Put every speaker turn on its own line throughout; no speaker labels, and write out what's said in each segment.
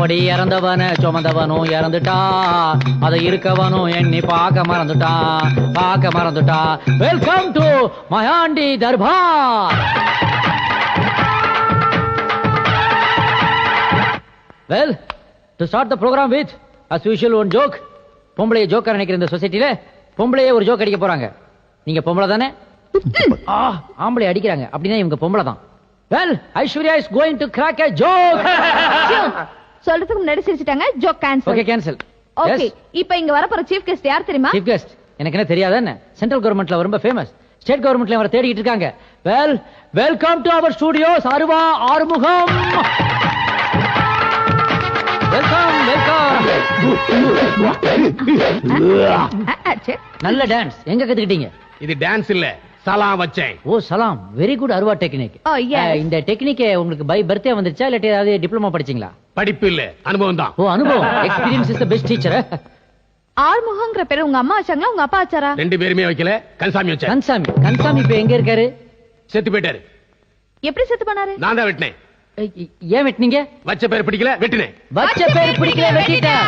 அப்படி இறந்தவன சுமந்தவனும் இறந்துட்டா, அதை இருக்கவனும் எண்ணி பார்க்க மறந்துட்டா. Welcome to Mayandi Darbar. Well, to start the program with as usual one joke. பொம்பளைய ஜோக்கர் நினைக்கிற இந்த சொசைட்டில பொம்பளையே ஒரு ஜோக் அடிக்க போறாங்க. நீங்க பொம்பளை தானே? ஆம்பளை அடிக்கிறாங்க அப்படின்னா இவங்க பொம்பளை தான். Well, Aishwarya is going to crack a joke.
சொல்றதுக்கு முன்னாடி சிரிச்சிட்டாங்க. Joke cancel.
Okay cancel.
Okay, இப்போ இங்க வர போற சீஃப் கெஸ்ட் யார் தெரியுமா?
சீஃப் கெஸ்ட் எனக்கு என்ன தெரியாதா என்ன? சென்ட்ரல் கவர்மெண்ட்ல ரொம்ப ஃபேமஸ், ஸ்டேட் கவர்மெண்ட்ல வர தேடிட்டு இருக்காங்க. Well, welcome to our studios Aruva Arumugam. Welcome welcome. நல்ல டான்ஸ் எங்க கத்துக்கிட்டீங்க?
இது டான்ஸ் இல்ல, சலாம் வச்சேன்.
ஓ சலாம், வெரி குட் அருவா டெக்னிக். இந்த டெக்னிக் உங்களுக்கு பை பர்த்டே வந்துருச்சா இல்ல ஏதாவது டிப்ளமா படிச்சீங்களா?
படிப்பு இல்ல, அனுபவம் தான்.
ஓ அனுபவம், experience is the best teacher.
ஆறுமுகம்ங்கற பேரு உங்க அம்மா வச்சாங்களா உங்க அப்பா வச்சாரா?
ரெண்டு பேருமே வைக்கல, கன்சாமி வச்சாரு.
கன்சாமி இப்ப எங்க இருக்காரு?
செத்து போயிட்டாரு.
எப்படி செத்து பண்ணாரு?
நான் தான் வெட்டினேன்.
ஏன் வெட்டினீங்க?
வச்ச பேர் பிடிக்கல, வெட்டினேன்.
வச்ச பேர் பிடிக்கல, வெட்டிட்டேன்.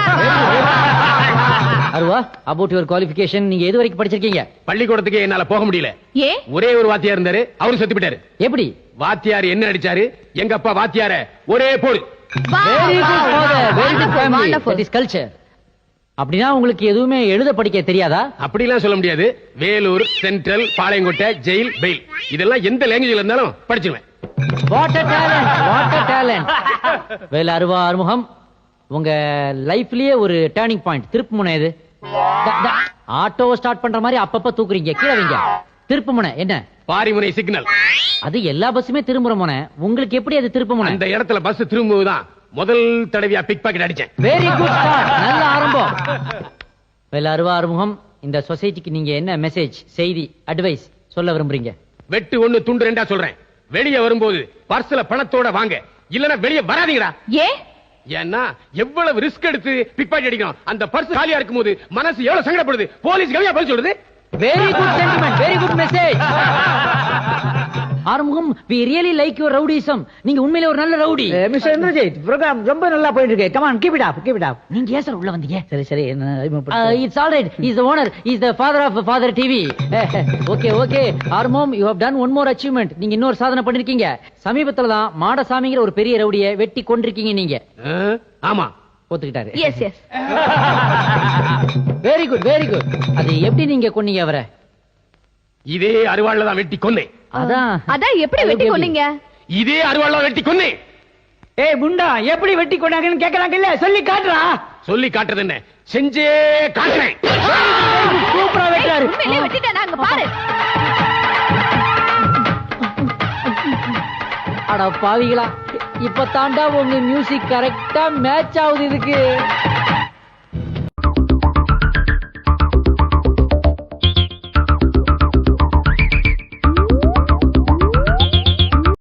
அருவா, அபௌட் யுவர் குவாலிஃபிகேஷன், நீங்க எது வரைக்கும் படிச்சிருக்கீங்க?
பள்ளிக்கூடத்துக்கு என்னால போக முடியல.
ஏ,
ஒரே ஒரு வாத்தியார் இருந்தாரு, அவரும் செத்து போயிட்டாரு.
எப்படி?
வாத்தியார் என்ன அடிச்சாரு, எங்க அப்பா வாத்தியார ஒரே போடு.
Very good father, very good family, that is culture. அப்படினா உங்களுக்கு எதுவுமே எழுத படிக்க தெரியாதா?
அப்படிலாம் சொல்ல முடியாது. Vellore, central, Palayamkottai, jail, bail இதெல்லாம் எந்த லாங்குவேஜ்ல இருந்தாலும் படிச்சுக்குவேன்.
What a talent, what a talent. வேல அருவா ஆறுமுகம், உங்க லைஃப்லயே ஒரு டர்னிங் பாயிண்ட், திருப்பு முனை எது? ஆட்டோ ஸ்டார்ட் பண்ற மாதிரி அப்பப்ப தூக்குறீங்க, கீழே வைங்க. திருப்பு முனை என்ன?
பாரிமுனை சிக்னல்.
அது எல்லா பஸ்ஸுமே திரும்புற முனை, உங்களுக்கு எப்படி அது திருப்பு முனை?
அந்த இடத்துல பஸ் திரும்புவதுதான் முதல் தடவையா பிக் பாக்கெட் அடிச்சேன்.
வெரி குட் ஸ்டார்ட், நல்ல ஆரம்பம். வேல அருவா ஆறுமுகம், இந்த சொசைட்டிக்கு நீங்க என்ன மெசேஜ், செய்தி, அட்வைஸ் சொல்ல விரும்புறீங்க?
வெட்டு ஒண்ணு துண்டு ரெண்டா சொல்றேன். வெளியே வரும்போது பர்ஸ்ல பணத்தோட வாங்க, இல்லனா வெளியே வராதீங்கடா.
ஏ,
ஏன்னா எவ்வளவு ரிஸ்க் எடுத்து பிக் பாக்கெட் அடிக்கணும். அந்த பர்ஸ் காலியா இருக்கும்போது மனசு எவ்வளவு சங்கடப்படுது. போலீஸ் கவியா பதில் சொல்றது.
Very good sentiment, very good message. Arumugam, we really like your rowdyism. நீங்க உண்மையிலே ஒரு நல்ல ரவுடி.
மிஸ்டர் இந்திரஜித், ப்ரோகிராம் ரொம்ப நல்லா போயிட்டு இருக்கு. Come on, keep it up, keep it up.
நீங்க ஏன் சார் உள்ள வந்தீங்க?
சரி
it's all right. Is the owner, is the father of father TV. Okay Arumugam, you have done one more achievement. நீங்க இன்னொரு சாதனை பண்ணிருக்கீங்க. சமீபத்துல தான் மாடசாமிங்கிற ஒரு பெரிய ரவுடியை வெட்டி கொன்றிருக்கீங்க நீங்க.
ஆமா,
ஒத்துக்கிட்டாரு.
Yes yes.
Very good, very good. அது எப்படி நீங்க கொன்னீங்க அவரை?
இதே அருவாள்ல தான் வெட்டி கொன்னேன்.
அதான் எப்படி வெட்டி கொன்னீங்க?
இதே அருவாள்ல வெட்டி கொன்னேன்.
ஏய் முண்டா, எப்படி வெட்டி கொண்டாங்கன்னு கேக்குறாங்க இல்ல, சொல்லி காட்டுறா.
சொல்லி காட்டுறது என்ன, செஞ்சே காட்டுறேன்.
சூப்பரா வெட்டாரு.
உண்மையிலே வெட்டிட்டானா? அங்க பாரு.
அட பாவிகளா, இப்ப தாண்டா உங்க மியூசிக் கரெக்டா மேட்ச் ஆகுது இதுக்கு.